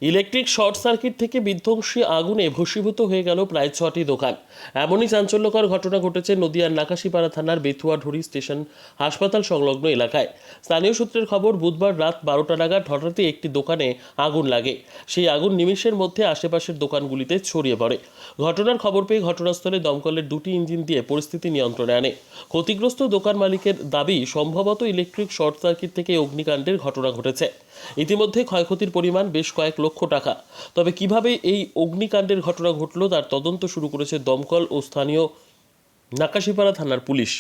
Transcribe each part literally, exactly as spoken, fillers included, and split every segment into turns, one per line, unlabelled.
Electric short circuit থেকে বিধ্বংসী আগুনে ভস্মীভূত হয়ে গেল প্রায় ছটি দোকান। এমনই চাঞ্চল্যকর ঘটনা ঘটেছে নদিয়ার নাকাশিপাড়া থানার বেথুয়াঢুরি স্টেশন হাসপাতাল সংলগ্ন এলাকায়। স্থানীয় সূত্রের খবর, বুধবার রাত বারোটা নাগাদ হঠাৎই একটি দোকানে আগুন লাগে। সেই আগুন নিমেষের মধ্যে আশেপাশের দোকানগুলিতে ছড়িয়ে পড়ে। ঘটনার খবর পেয়ে ঘটনাস্থলে দমকলের দুটি ইঞ্জিন দিয়ে পরিস্থিতি নিয়ন্ত্রণে আনে। ক্ষতিগ্রস্ত দোকান মালিকের দাবি, সম্ভবত ইলেকট্রিক শর্ট সার্কিট থেকে অগ্নিকাণ্ডের ঘটনা ঘটেছে। ইতিমধ্যে ক্ষয়ক্ষতির পরিমাণ বেশ কয়েক লক্ষ টাকা। তবে কিভাবে এই অগ্নিকাণ্ডের ঘটনা ঘটল তার তদন্ত শুরু করেছে দমকল ও স্থানীয় নাকাশিপাড়া থানার পুলিশ।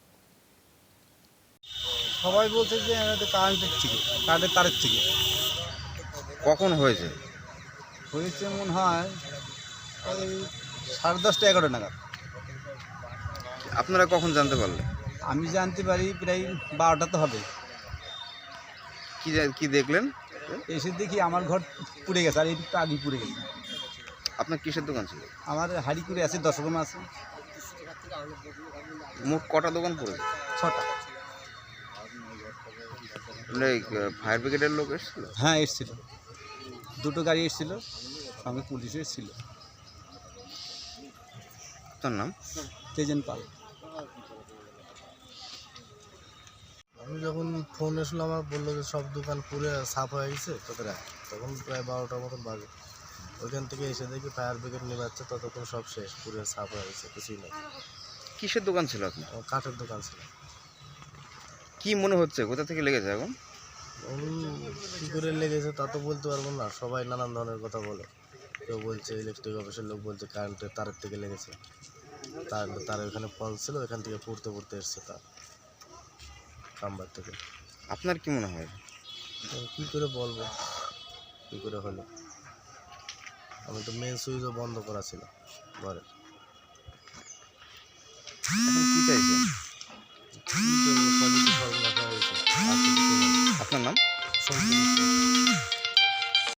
সবাই বলছে যে আমাদের কারেন্টের থেকে কারেন্টের তারের থেকে
কখন হয়েছে?
হয়েছে মনে হয় ওই সাড়ে দশটা এগারোটা নাগাদ।
আপনারা কখন জানতে পারলেন?
আমি জানতে পারি প্রায় বারোটা তো হবে।
কি জা- কি দেখলেন?
এসে দেখি আমার ঘর পুড়ে গেছে, আর একটু আগে পুড়ে গেছে।
আপনার কিসের দোকান ছিল?
আমার হাড়ি করে আছে, দশ রকম আছে,
মোট কটা দোকান পড়েছে?
ছটা।
মানে ফায়ার ব্রিগেডের লোক এসেছিল?
হ্যাঁ এসছিল, দুটো গাড়ি এসছিল, সঙ্গে পুলিশও এসছিল।
আপনার নাম?
তেজেন পাল।
আমি যখন ফোন এসলো আমার বললো যে সব দোকান পুরে সাফ হয়ে গেছে তোদের, তখন প্রায় বারোটার মতন বাজে। ওইখান থেকে এসে দেখি ফায়ার ব্রিগেড নেবাচ্ছে, ততক্ষণ সব শেষ, পুরে সাফ হয়ে গেছে, কিছুই নেই।
কিসের দোকান ছিল আপনার?
আমার কাঠের দোকান ছিল।
কি মনে হচ্ছে কোথা থেকে লেগেছে এখন?
কী করে লেগেছে তা তো বলতে পারবো না, সবাই নানান ধরনের কথা বলে। কেউ বলছে ইলেকট্রিক অফিসের লোক বলছে কারেন্টের তারের থেকে লেগেছে, তার তার ওখানে ফল ছিল, ওখান থেকে পড়তে পড়তে এসছে তার কাম্বার থেকে।
আপনার কি মনে হয়?
কী করে বলবো কী করে হলো? আমি তো মেন সুইচও বন্ধ করা ছিল ঘরে।
এখন কি চাইছেন?
কী করবো, সবই তো সর্বনাশ হয়ে গেছে। আর তো কিছু নেই।
আপনার নাম?
সব জিনিস